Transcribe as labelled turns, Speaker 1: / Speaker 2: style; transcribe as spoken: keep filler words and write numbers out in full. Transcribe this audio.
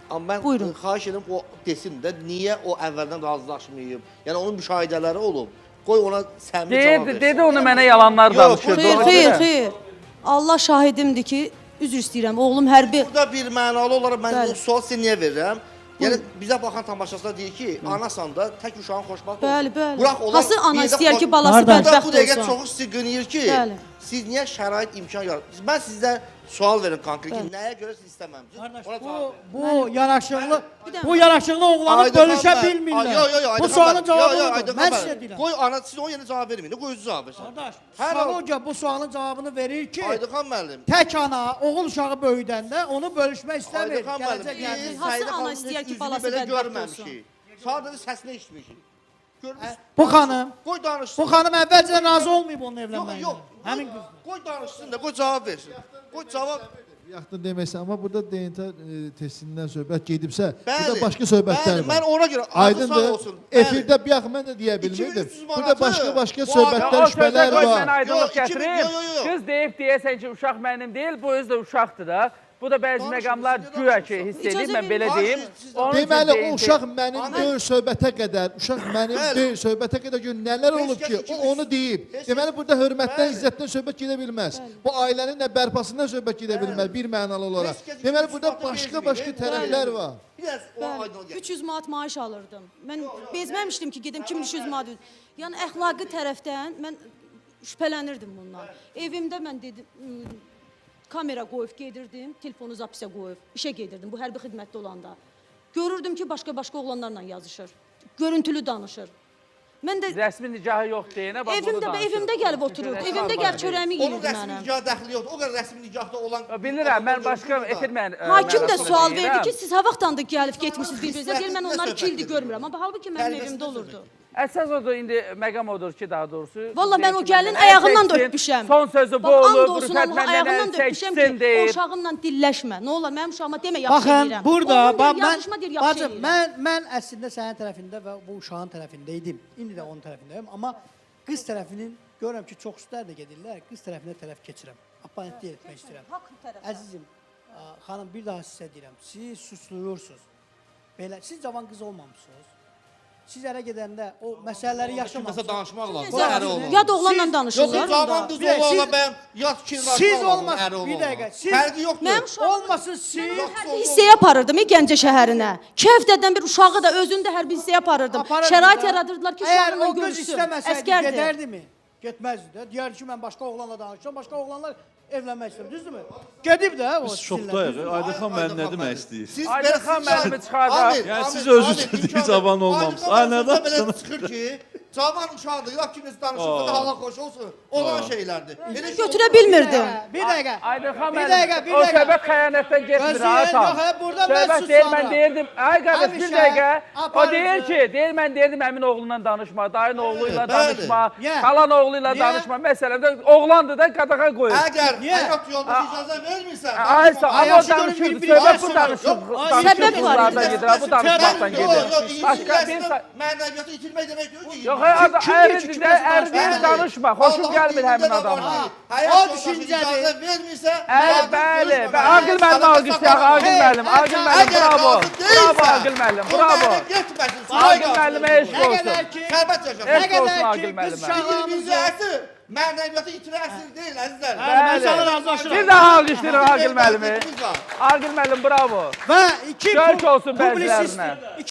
Speaker 1: Amma mən
Speaker 2: Buyurun.
Speaker 1: xahiş edirəm o desin də niyə o əvvəldən razılaşmayıb. Yəni onun müşahidələri olub. Qoy ona səmimi cavab versin.
Speaker 3: Dedi, dedi onu mənə yalanlar
Speaker 1: Yox,
Speaker 3: danışırdı.
Speaker 2: Xeyr,
Speaker 3: ona
Speaker 2: xeyr,
Speaker 3: görə.
Speaker 2: xeyr. Allah şahidimdir ki, üzr istəyirəm. Oğlum hərbi
Speaker 1: Burada bir mənalı olaraq mən
Speaker 2: Bəli.
Speaker 1: bu sual sizə niyə verirəm? Yəni bizə baxan tamaşaçılar deyir ki, anasan da tək uşağın xoşbəxt olsun.
Speaker 2: Bəli, bəli.
Speaker 1: Bıraq onlar
Speaker 2: Hansı ana
Speaker 1: bir də
Speaker 2: istəyər ki,
Speaker 1: xoş-
Speaker 2: balası
Speaker 4: Qardaş.
Speaker 1: Burada
Speaker 2: bədbəxt
Speaker 1: bu dəqiqə
Speaker 2: olsun?
Speaker 1: çoxu sizi qınayır ki,
Speaker 2: Bəli.
Speaker 1: siz niyə şərait imkan yaratmısınız? Mən sizdən sual verim konkret ki, nəyə görə siz istəməmisiniz?
Speaker 4: Qardaş,
Speaker 1: Ona
Speaker 4: bu,
Speaker 1: cavab
Speaker 4: bu yanaşıqlı,
Speaker 2: Bir də-
Speaker 4: bu yanaşıqlı oğlanı
Speaker 1: Aydın
Speaker 4: bölüşə
Speaker 1: xanım, ay-
Speaker 4: bilmirlər.
Speaker 1: yo, yo, yo, Aydın
Speaker 4: Bu sualın
Speaker 1: xanım,
Speaker 4: cavabı
Speaker 1: yo, yo,
Speaker 4: budur.
Speaker 1: Aydın
Speaker 4: Mən
Speaker 1: xanım,
Speaker 4: sizə deyirəm.
Speaker 1: Qoy ana siz o yerə cavab verməyin. Qoy özü cavab versin.
Speaker 4: Qardaş,
Speaker 1: Hər
Speaker 4: psixologiya bu sualın cavabını verir ki,
Speaker 1: Aydın xan müəllim.
Speaker 4: tək ana oğul uşağı böyüdəndə onu bölüşmək istəmir.
Speaker 1: Aydın xan müəllim.
Speaker 4: Gələcək
Speaker 1: Biz
Speaker 4: yəni.
Speaker 2: Hansı
Speaker 1: Səidə
Speaker 2: ana
Speaker 1: xanımın
Speaker 2: istəyər
Speaker 1: heç
Speaker 2: ki,
Speaker 1: üzünü
Speaker 2: balası
Speaker 1: belə
Speaker 2: bədbəxt
Speaker 1: görməmişik. Sadəcə səsini eşitmişik. Görmüş.
Speaker 4: Bu xanım,
Speaker 1: Qoy danışsın.
Speaker 4: bu xanım əvvəlcədən razı olmayıb onun
Speaker 1: Yox,
Speaker 4: evlənməyinə.
Speaker 1: yox.
Speaker 4: Həmin
Speaker 1: Qoy-
Speaker 4: qız.
Speaker 1: Qoy danışsın da, qoy cavab versin. Qoy cavab.
Speaker 5: Yaxın deməksə, amma burada D N T e, testindən söhbət gedibsə,
Speaker 1: Bəli.
Speaker 5: burada başqa söhbətlər
Speaker 1: bəli,
Speaker 5: var.
Speaker 1: Mən ona görə adı sağ
Speaker 5: Aydındır.
Speaker 1: olsun. Bəli.
Speaker 5: Efirdə bir yaxın mən də deyə bilmirdim.
Speaker 1: iki min üç yüz
Speaker 5: Burada
Speaker 1: manatı
Speaker 5: başqa-başqa
Speaker 1: bu
Speaker 5: söhbətlər,
Speaker 1: adam-
Speaker 3: O sözə
Speaker 5: şübhələr
Speaker 3: qoy mən
Speaker 5: var.
Speaker 3: aydınlıq
Speaker 1: Yox, iki min-
Speaker 3: gətirim.
Speaker 1: yo, yo, yo.
Speaker 3: Qız deyib deyəsən ki, uşaq mənim deyil, bu özü də uşaqdır da. Bu da bəzi
Speaker 1: Danışın,
Speaker 3: məqamlar
Speaker 1: siz də
Speaker 3: güya ki,
Speaker 1: danışın.
Speaker 3: hiss
Speaker 2: İcazə
Speaker 3: edib, mən
Speaker 2: verin.
Speaker 3: belə
Speaker 1: Danışın,
Speaker 3: deyim.
Speaker 1: siz də
Speaker 3: Onun üçün
Speaker 5: Deməli,
Speaker 3: deyim
Speaker 5: o
Speaker 3: ki-
Speaker 5: uşaq mənim
Speaker 1: Amin.
Speaker 5: deyil söhbətə qədər, uşaq mənim
Speaker 1: Bəli.
Speaker 5: deyil söhbətə qədər gör nələr
Speaker 1: Heç
Speaker 5: olub
Speaker 1: kəs
Speaker 5: ki,
Speaker 1: iki
Speaker 5: o
Speaker 1: yüz-
Speaker 5: onu deyib.
Speaker 1: Heç
Speaker 5: Deməli,
Speaker 1: kəs-
Speaker 5: burada hörmətdən,
Speaker 1: Bəli.
Speaker 5: izzətdən söhbət gedə bilməz. Bu ailənin də bərpasından söhbət gedə bilməz, bir mənalı olaraq.
Speaker 1: Heç kəs iki
Speaker 5: Deməli,
Speaker 1: yüz
Speaker 5: burada
Speaker 1: manatı
Speaker 5: başqa-başqa
Speaker 1: vermir,
Speaker 5: tərəflər
Speaker 1: bəli.
Speaker 5: var.
Speaker 1: Biraz o aydın
Speaker 2: Bəli,
Speaker 1: gətir.
Speaker 2: üç yüz manat maaş alırdım. Mən bezməmişdim ki, gedim kim üç yüz manat. Yəni əxlaqi tərəfdən mən şübhələnirdim bundan. Evimdə mən dedim ım, kamera qoyub gedirdim, telefonu zapisə qoyub işə gedirdim bu hərbi xidmətdə olanda. Görürdüm ki, başqa-başqa oğlanlarla yazışır. Görüntülü danışır. Mən də
Speaker 3: Rəsmi nikahı yox deyənə bax bunu
Speaker 2: evimdə
Speaker 3: danışır.
Speaker 2: evimdə gəlib oturur.
Speaker 3: Rəsmi
Speaker 2: Evimdə
Speaker 3: var
Speaker 2: gəlib
Speaker 3: deyil.
Speaker 2: çörəyimi
Speaker 1: Onun
Speaker 2: yeyirdi
Speaker 1: rəsmi
Speaker 2: mənim.
Speaker 1: nikah dəxli yoxdur. O qədər rəsmi nikahda olan...
Speaker 3: Bilirəm, mən başqa etirmən...
Speaker 2: Hakim də
Speaker 3: mənasını
Speaker 2: sual
Speaker 3: deyirəm.
Speaker 2: verdi ki, siz ha vaxtdan da gəlib getmişsiniz bir-birinizə. Deyir, mən onları iki ildir görmürəm. Amma halbuki mənim
Speaker 1: Tərbiyəsiz
Speaker 2: evimdə
Speaker 1: söz
Speaker 2: olurdu.
Speaker 3: Əsas odur, indi məqam odur ki, daha doğrusu...
Speaker 2: Valla mən o
Speaker 3: deyir ki,
Speaker 2: gəlin
Speaker 3: məndən
Speaker 2: ayağından da
Speaker 3: çəksin,
Speaker 2: öpmüşəm.
Speaker 3: Son sözü bu
Speaker 2: Bax, and
Speaker 3: olur,
Speaker 2: olsun
Speaker 3: Rüfət
Speaker 2: Allah,
Speaker 3: məndən
Speaker 2: ayağından
Speaker 3: əl
Speaker 2: da öpmüşəm
Speaker 3: çəksin
Speaker 2: ki, o
Speaker 3: deyir.
Speaker 2: uşağımla dilləşmə. Nə olar, mənim uşağıma demə, yaxşı
Speaker 4: Baxın,
Speaker 2: eləyirəm.
Speaker 4: burada
Speaker 2: Oğlum
Speaker 4: bax,
Speaker 2: deyir, yazışma deyir,
Speaker 4: mən,
Speaker 2: yaxşı
Speaker 4: bacım,
Speaker 2: eləyirəm.
Speaker 4: mən, mən əslində sənin tərəfində və bu uşağın tərəfindəydim. İndi də onun tərəfindəyim. Amma qız tərəfinin, görürəm ki, çox üstlər də gedirlər, qız tərəfinə tərəf keçirəm. Abonentlik etmək istəyirəm.
Speaker 2: Haqq tərəfdən.
Speaker 4: Əzizim, ə, xanım, bir daha sizə deyirəm, siz susluyursunuz. Belə, siz cavan qız olmamışsınız. Siz ərə gedəndə o məsələləri
Speaker 1: Kiməsə
Speaker 4: yaşamamısınız.
Speaker 1: danışmaq lazım.
Speaker 2: Siz-
Speaker 1: Əri olmalı.
Speaker 2: Yad oğlanla
Speaker 4: Siz-
Speaker 2: danışırlar.
Speaker 1: Yox, cavan qız
Speaker 4: Bir də
Speaker 1: oğlanla
Speaker 4: siz-
Speaker 1: mən yad fikir danışmaq
Speaker 4: Siz
Speaker 1: lazım,
Speaker 4: olmaz,
Speaker 1: əri
Speaker 4: bir
Speaker 1: olmalı.
Speaker 4: dəqiqə, siz-
Speaker 1: Fərqi yoxdur.
Speaker 2: Mənim uşağım
Speaker 4: Olmasın siz.
Speaker 2: hərbi hissəyə aparırdım e, Gəncə şəhərinə. Kəvdədən bir uşağı da özünü də hərbi hissəyə aparırdım.
Speaker 4: Aparırdı
Speaker 2: Şərait
Speaker 4: da.
Speaker 2: yaradırdılar ki,
Speaker 4: Əgər
Speaker 2: uşağımla
Speaker 4: o qız
Speaker 2: görüşsün.
Speaker 4: istəməsəydi,
Speaker 2: Əskərdir.
Speaker 4: gedərdimi? Getməzdi də. Deyərdi ki, mən başqa oğlanla danışıram, başqa oğlanlar evlənmək istəyir, düzdürmü? Gedib də o
Speaker 6: Biz
Speaker 4: sizinlə,
Speaker 6: şokdayıq.
Speaker 4: düzdürmü?
Speaker 6: Aydır xan müəllim nə demək istəyir?
Speaker 1: Siz
Speaker 3: Aydın
Speaker 1: belə-
Speaker 3: xan
Speaker 1: siz-
Speaker 3: müəllimi çıxardaq.
Speaker 1: Amin,
Speaker 6: Yəni
Speaker 1: amin,
Speaker 6: siz özünüz
Speaker 1: amin,
Speaker 6: dediniz,
Speaker 1: imkan
Speaker 6: cavan
Speaker 1: verin.
Speaker 6: olmamısınız.
Speaker 1: Aydın
Speaker 6: Ay,
Speaker 1: xan
Speaker 6: nədən
Speaker 1: belə
Speaker 6: çıxın?
Speaker 1: çıxır ki, cavan uşaqdır, ya kimisi danışırsa da hala xoş olsun. Olan şeylərdir. Elə şey
Speaker 2: Götürə
Speaker 1: olmaz.
Speaker 2: bilmirdim.
Speaker 4: Bir dəqiqə.
Speaker 3: Aydın xan
Speaker 4: Bir
Speaker 3: müəllim,
Speaker 4: dəqiqə, bir
Speaker 3: o
Speaker 4: dəqiqə.
Speaker 3: söhbət xəyanətdən getmir,
Speaker 4: Gözü
Speaker 3: ha,
Speaker 4: yox,
Speaker 3: tam.
Speaker 4: hə, burada mən
Speaker 3: Söhbət
Speaker 4: sus
Speaker 3: deyir, mən
Speaker 4: sonra.
Speaker 3: deyirdim, ay qardaş, bir
Speaker 4: Həmişə
Speaker 3: dəqiqə. O
Speaker 4: aparıcı.
Speaker 3: deyir ki, deyir, mən deyirdim, əmin oğlunla danışma, dayın oğluyla
Speaker 1: Bəli.
Speaker 3: danışma,
Speaker 4: Niyə?
Speaker 3: xalan oğluyla
Speaker 4: Niyə?
Speaker 3: danışma. Məsələdə oğlandır da, qadağa qoyur.
Speaker 1: Əgər
Speaker 4: Niyə?
Speaker 1: həyat yolunda icazə vermirsən,
Speaker 3: Ay sağ,
Speaker 4: Ay,
Speaker 3: amma o
Speaker 4: yaxşı
Speaker 3: danışırdı,
Speaker 4: görün, bir-
Speaker 3: söhbət
Speaker 4: bir-
Speaker 3: bu
Speaker 4: bir-
Speaker 3: danışıq,
Speaker 4: Ay,
Speaker 3: danışıq
Speaker 2: səbəb var.
Speaker 3: qızlardan gedir, ha, bu danışmaqdan
Speaker 1: Yox,
Speaker 3: gedir.
Speaker 1: yox,
Speaker 3: Başqa bir...
Speaker 1: İngilizcəsində mənəviyyatı itirmək demək deyil ki.
Speaker 3: Yox, ay, adı
Speaker 4: kim
Speaker 3: əridir
Speaker 4: kim
Speaker 3: də,
Speaker 4: kimə
Speaker 3: ər deyir,
Speaker 1: Bəli.
Speaker 3: danışma, xoşum
Speaker 1: Allahın
Speaker 3: gəlmir həmin
Speaker 1: dinində də
Speaker 3: adamla.
Speaker 1: var ki,
Speaker 4: O
Speaker 1: Həyat yoldaşı
Speaker 4: düşüncədir.
Speaker 1: icazə vermirsə,
Speaker 3: Əli,
Speaker 1: qadın
Speaker 3: bəli,
Speaker 1: görüşməməli.
Speaker 3: və Aqil müəllim alqışlayaq, Aqil
Speaker 4: Hey,
Speaker 3: müəllim, Aqil
Speaker 4: əgər-
Speaker 3: müəllim,
Speaker 1: Əgər
Speaker 3: bravo,
Speaker 1: qadın
Speaker 3: bravo
Speaker 1: deyilsə,
Speaker 3: Aqil müəllim,
Speaker 1: o
Speaker 3: bravo.
Speaker 1: məni getməsin,
Speaker 3: Aqil müəllimə eşq
Speaker 4: Nə
Speaker 3: olsun.
Speaker 4: qədər ki,
Speaker 1: Sərbəst yaşasın.
Speaker 4: nə
Speaker 3: Eşq olsun
Speaker 4: qədər
Speaker 3: Aqil
Speaker 4: ki,
Speaker 3: müəllimə.
Speaker 4: qız uşağımızı
Speaker 1: Birinci əsr mənəviyyatı itirə əsr deyil, əzizlər.
Speaker 4: Mən sana razılaşıram.
Speaker 3: Bir daha alqışlayırıq Aqil müəllimi.
Speaker 1: Vəziyyətimiz var.
Speaker 3: Aqil müəllim, bravo.
Speaker 4: və iki
Speaker 3: Şərk olsun
Speaker 4: publisist-
Speaker 3: bəzilərinə.